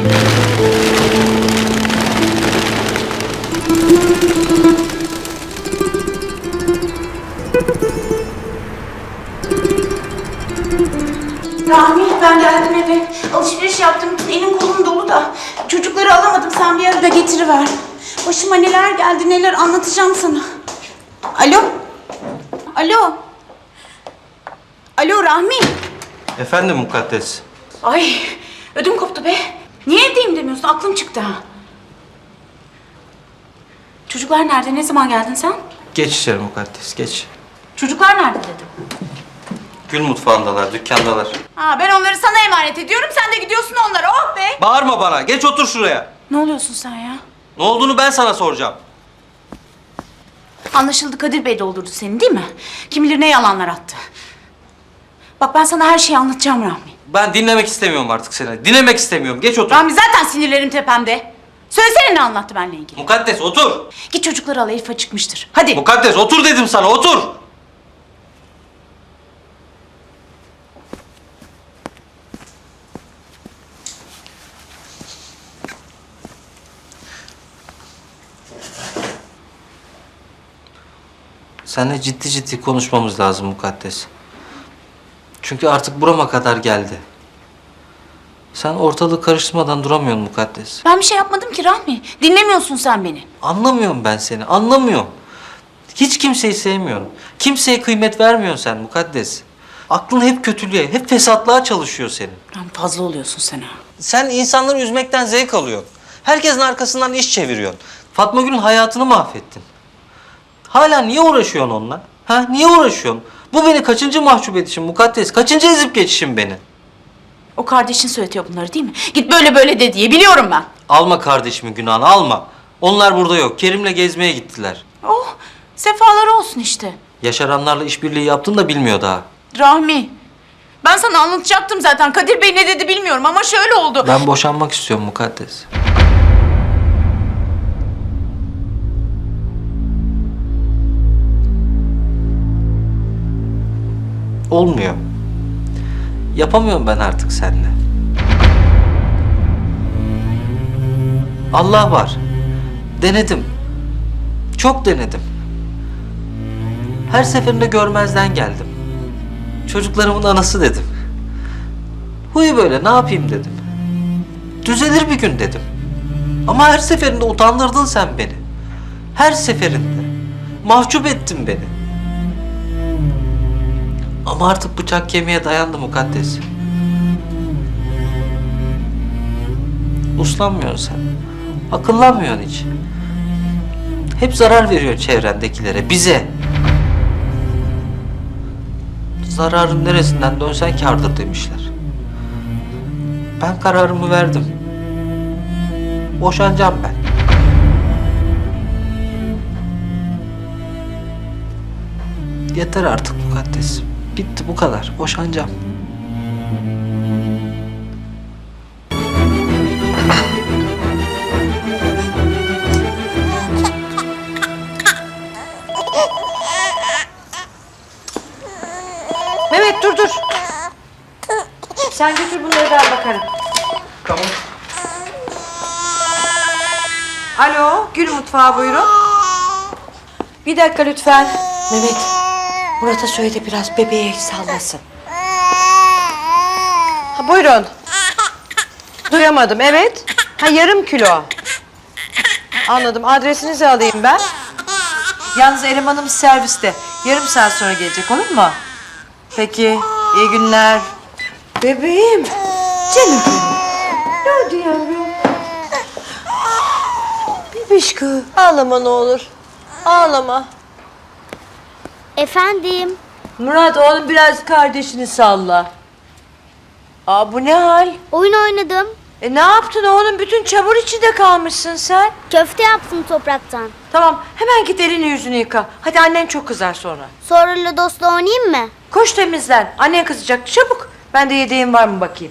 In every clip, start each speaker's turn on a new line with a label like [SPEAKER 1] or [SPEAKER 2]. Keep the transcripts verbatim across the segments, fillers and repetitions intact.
[SPEAKER 1] Rahmi, ben geldim eve. Alışveriş yaptım. Elim kolum dolu da. Çocukları alamadım. Sen bir arada getiriver. Başıma neler geldi, neler anlatacağım sana. Alo? Alo? Alo Rahmi?
[SPEAKER 2] Efendim Mukaddes?
[SPEAKER 1] Ay, ödüm koptu be. Niye evdeyim demiyorsun? Aklım çıktı ha. Çocuklar nerede? Ne zaman geldin sen?
[SPEAKER 2] Geç içeri Mukaddes, geç.
[SPEAKER 1] Çocuklar nerede dedim.
[SPEAKER 2] Gül mutfağındalar, dükkandalar.
[SPEAKER 1] Ha, ben onları sana emanet ediyorum. Sen de gidiyorsun onlara. Oh be!
[SPEAKER 2] Bağırma bana, geç otur şuraya.
[SPEAKER 1] Ne oluyorsun sen ya?
[SPEAKER 2] Ne olduğunu ben sana soracağım.
[SPEAKER 1] Anlaşıldı, Kadir Bey doldurdu seni değil mi? Kim bilir ne yalanlar attı. Bak ben sana her şeyi anlatacağım Rahmi.
[SPEAKER 2] Ben dinlemek istemiyorum artık seni. Dinlemek istemiyorum, geç otur.
[SPEAKER 1] Rahmi zaten sinirlerim tepemde. Söylesene ne anlattı benimle ilgili.
[SPEAKER 2] Mukaddes otur.
[SPEAKER 1] Git çocukları al, Elif çıkmıştır. Hadi.
[SPEAKER 2] Mukaddes otur dedim sana, otur. Seninle ciddi ciddi konuşmamız lazım Mukaddes. Çünkü artık burama kadar geldi. Sen ortalığı karıştırmadan duramıyorsun Mukaddes.
[SPEAKER 1] Ben bir şey yapmadım ki Rahmi. Dinlemiyorsun sen beni.
[SPEAKER 2] Anlamıyorum ben seni, anlamıyorum. Hiç kimseyi sevmiyorum. Kimseye kıymet vermiyorsun sen Mukaddes. Aklın hep kötülüğe, hep fesatlığa çalışıyor senin.
[SPEAKER 1] Rahmi fazla oluyorsun sen ha.
[SPEAKER 2] Sen insanları üzmekten zevk alıyorsun. Herkesin arkasından iş çeviriyorsun. Fatma Gül'ün hayatını mahvettin. Hala niye uğraşıyorsun onunla? Ha, niye uğraşıyorsun? Bu beni kaçıncı mahcup edişim Mukaddes? Kaçıncı ezip geçişim beni?
[SPEAKER 1] O kardeşin söyletiyor bunları değil mi? Git böyle böyle de diye biliyorum ben.
[SPEAKER 2] Alma kardeşimin günahını, alma. Onlar burada yok. Kerim'le gezmeye gittiler.
[SPEAKER 1] Oh, sefaları olsun işte.
[SPEAKER 2] Yaşaranlarla işbirliği yaptın da bilmiyor daha.
[SPEAKER 1] Rahmi, ben sana anlatacaktım zaten. Kadir Bey ne dedi bilmiyorum ama şöyle oldu.
[SPEAKER 2] Ben boşanmak istiyorum Mukaddes. Olmuyor. Yapamıyorum ben artık seninle. Allah var. Denedim. Çok denedim. Her seferinde görmezden geldim. Çocuklarımın anası dedim. Huyu böyle, ne yapayım dedim. Düzelir bir gün dedim. Ama her seferinde utandırdın sen beni. Her seferinde. Mahcup ettin beni. Ama artık bıçak kemiğe dayandı Mukaddes. Uslanmıyorsun sen. Akıllanmıyorsun hiç. Hep zarar veriyorsun çevrendekilere, bize. Zararın neresinden dönsen kârdır demişler. Ben kararımı verdim. Boşanacağım ben. Yeter artık Mukaddes. Bitti, bu kadar. Boşanacağım.
[SPEAKER 3] Mehmet dur dur. Sen götür bunları ben bakarım.
[SPEAKER 2] Tamam.
[SPEAKER 3] Alo, Gül mutfağı buyurun. Bir dakika lütfen. Mehmet, Murat'a söyle de biraz bebeğe sallasın. Ha, buyurun. Duyamadım, evet. Ha, yarım kilo. Anladım, adresinizi alayım ben. Yalnız elemanım serviste. Yarım saat sonra gelecek, olur mu? Peki, iyi günler. Bebeğim, canım benim. Nerede yavrum? Bebişkı, ağlama ne olur. Ağlama.
[SPEAKER 4] Efendim?
[SPEAKER 3] Murat oğlum biraz kardeşini salla. Aa bu ne hal?
[SPEAKER 4] Oyun oynadım.
[SPEAKER 3] E ne yaptın oğlum? Bütün çamur içinde kalmışsın sen.
[SPEAKER 4] Köfte yaptım topraktan.
[SPEAKER 3] Tamam hemen git elini yüzünü yıka. Hadi annen çok kızar sonra.
[SPEAKER 4] Sonra Lodos'la oynayayım mı?
[SPEAKER 3] Koş temizlen. Annen kızacak çabuk. Ben de yedeğim var mı bakayım.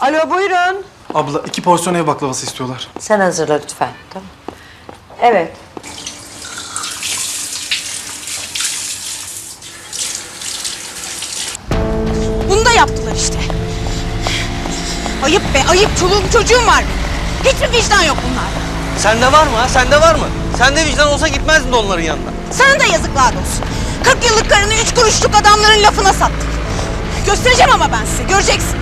[SPEAKER 3] Alo buyurun.
[SPEAKER 5] Abla iki porsiyon ev baklavası istiyorlar.
[SPEAKER 3] Sen hazırla lütfen. Tamam. Evet.
[SPEAKER 1] Bunu da yaptılar işte. Ayıp be ayıp. Çoluğum çocuğum var. Hiçbir vicdan yok bunlarda.
[SPEAKER 2] Sende var mı ha? Sende var mı? Sende vicdan olsa gitmezdin de onların yanına.
[SPEAKER 1] Sana da yazıklar olsun. kırk yıllık karını üç kuruşluk adamların lafına sattın. Göstereceğim ama ben size. Göreceksin.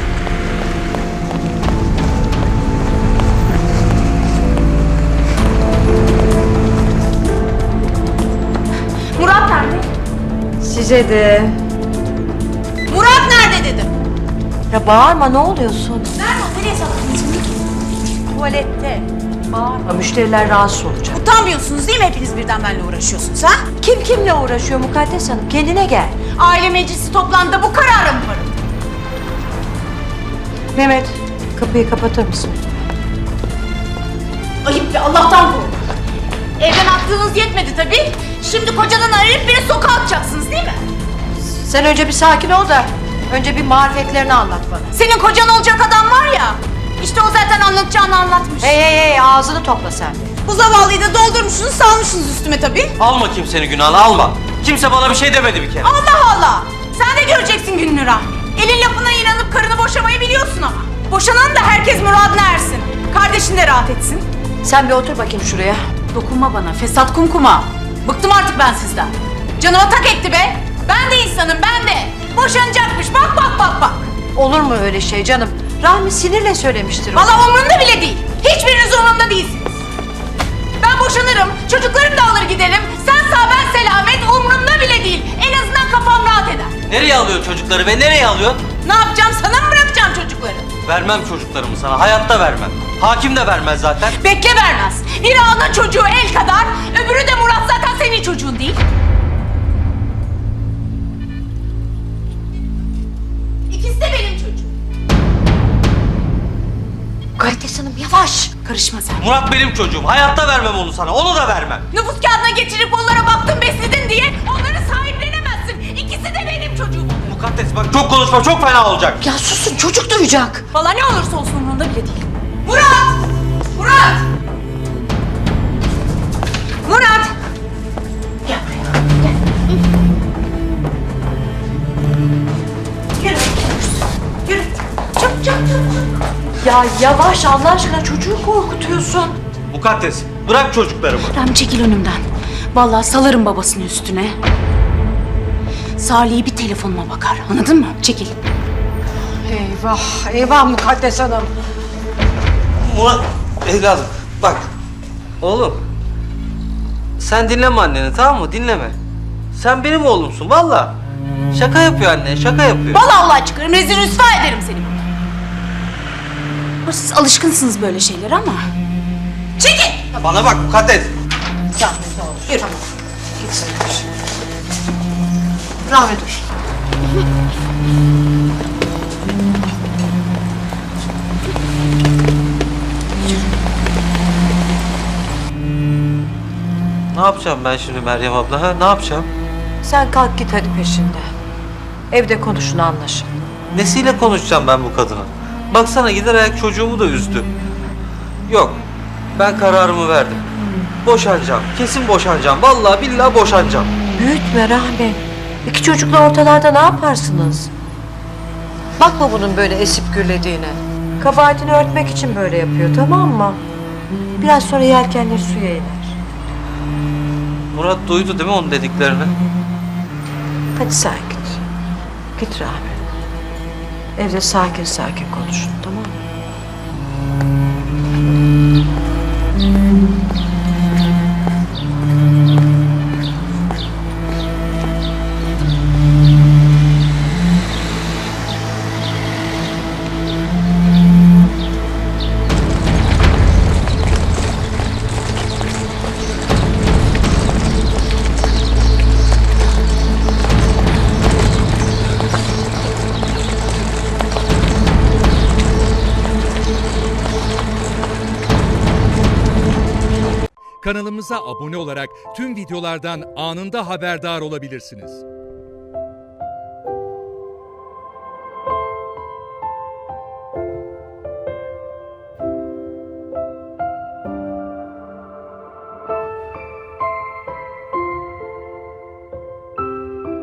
[SPEAKER 1] Murat nerede?
[SPEAKER 3] Size de.
[SPEAKER 1] Murat nerede dedim.
[SPEAKER 3] Ya bağırma ne oluyorsun?
[SPEAKER 1] Nerede o? Nereye sakladınız bunu?
[SPEAKER 3] Tuvalette. Bağırma müşteriler rahatsız olacak.
[SPEAKER 1] Utanmıyorsunuz değil mi hepiniz birden benimle uğraşıyorsunuz ha?
[SPEAKER 3] Kim kimle uğraşıyor Mukaddes Hanım? Kendine gel.
[SPEAKER 1] Aile meclisi toplantıda bu karara mı varım?
[SPEAKER 3] Mehmet kapıyı kapatır mısın?
[SPEAKER 1] Ayıp be Allah'tan korkun. Evden attığınız yetmedi tabii. Şimdi kocadan arayıp beni sokağa atacaksınız değil mi?
[SPEAKER 3] Sen önce bir sakin ol da önce bir marifetlerini anlat bana.
[SPEAKER 1] Senin kocan olacak adam var ya. İşte o zaten anlatacağını anlatmış.
[SPEAKER 3] Hey hey hey ağzını topla sen de.
[SPEAKER 1] Bu zavallıyı da doldurmuşsunuz salmışsınız üstüme tabii.
[SPEAKER 2] Alma kimsenin günahını alma. Kimse bana bir şey demedi bir kere.
[SPEAKER 1] Allah Allah. Sen de göreceksin gününü Rahmi. Elin lafına inanıp karını boşamayı biliyorsun ama. Boşanan da herkes muradına ersin. Kardeşin de rahat etsin.
[SPEAKER 3] Sen bir otur bakayım şuraya.
[SPEAKER 1] Dokunma bana fesat kumkuma. Bıktım artık ben sizden. Canıma tak etti be. Ben de insanım ben de. Boşanacakmış bak bak bak bak.
[SPEAKER 3] Olur mu öyle şey canım? Rahmi sinirle söylemiştir o.
[SPEAKER 1] Valla umurumda bile değil. Hiçbiriniz umurumda değilsiniz. Ben boşanırım, çocuklarımı da alır giderim. Sen sağ ben selamet umurumda bile değil. En azından kafam rahat eder.
[SPEAKER 2] Nereye alıyorsun çocukları ve nereye alıyorsun?
[SPEAKER 1] Ne yapacağım sana mı bırakacağım çocukları?
[SPEAKER 2] Vermem çocuklarımı sana. Hayatta vermem. Hakim de vermez zaten.
[SPEAKER 1] Bekle vermez. Biri ana çocuğu el kadar, öbürü de Murat zaten senin çocuğun değil. İkisi de benim çocuğum.
[SPEAKER 3] Mukaddes Hanım yavaş.
[SPEAKER 1] Karışma sen.
[SPEAKER 2] Murat benim çocuğum. Hayatta vermem onu sana. Onu da vermem.
[SPEAKER 1] Nüfus kağıdına geçirip onlara baktın besledin diye onları sahiplenemezsin. İkisi de benim çocuğum.
[SPEAKER 2] Mukaddes bak çok konuşma çok fena olacak.
[SPEAKER 3] Ya susun çocuk duyacak.
[SPEAKER 1] Valla ne olursa olsun umurumda bile değil. Murat! Murat! Murat! Gel buraya. Gel. Yürü. Yürü. Çabuk çabuk çabuk.
[SPEAKER 3] Ya yavaş Allah aşkına çocuğu korkutuyorsun.
[SPEAKER 2] Mukaddes bırak çocuklarımı.
[SPEAKER 1] Rami çekil önümden. Vallahi salarım babasının üstüne. Salih'i bir telefonuma bakar. Anladın mı? Çekil.
[SPEAKER 3] Eyvah eyvah Mukaddes Hanım.
[SPEAKER 2] Murat evladım bak. Oğlum. Sen dinleme anneni tamam mı? Dinleme. Sen benim oğlumsun valla. Şaka yapıyor anne şaka yapıyor.
[SPEAKER 1] Vallahi Allah çıkarım. Rezil rüsva ederim seni burada. Ama siz alışkınsınız böyle şeylere ama. Çekil!
[SPEAKER 2] Bana bak Mukaddes.
[SPEAKER 1] Yürü.
[SPEAKER 3] Git sen. Rahmi dur.
[SPEAKER 2] Ne yapacağım ben şimdi Meryem abla ha? Ne yapacağım?
[SPEAKER 3] Sen kalk git hadi peşinde. Evde konuşun anlaşın.
[SPEAKER 2] Nesiyle konuşacağım ben bu kadına? Baksana gider ayak çocuğumu da üzdü. Yok. Ben kararımı verdim. Boşanacağım. Kesin boşanacağım. Vallahi billahi boşanacağım.
[SPEAKER 3] Büyütme Rahmi. İki çocukla ortalarda ne yaparsınız? Bakma bunun böyle esip gürlediğine. Kabahatini örtmek için böyle yapıyor tamam mı? Biraz sonra yelkenleri suya iner.
[SPEAKER 2] Murat duydu değil mi onun dediklerini?
[SPEAKER 3] Hadi sen git. Git Rahmi. Evde sakin sakin konuşun tamam mı?
[SPEAKER 6] Kanalımıza abone olarak tüm videolardan anında haberdar olabilirsiniz.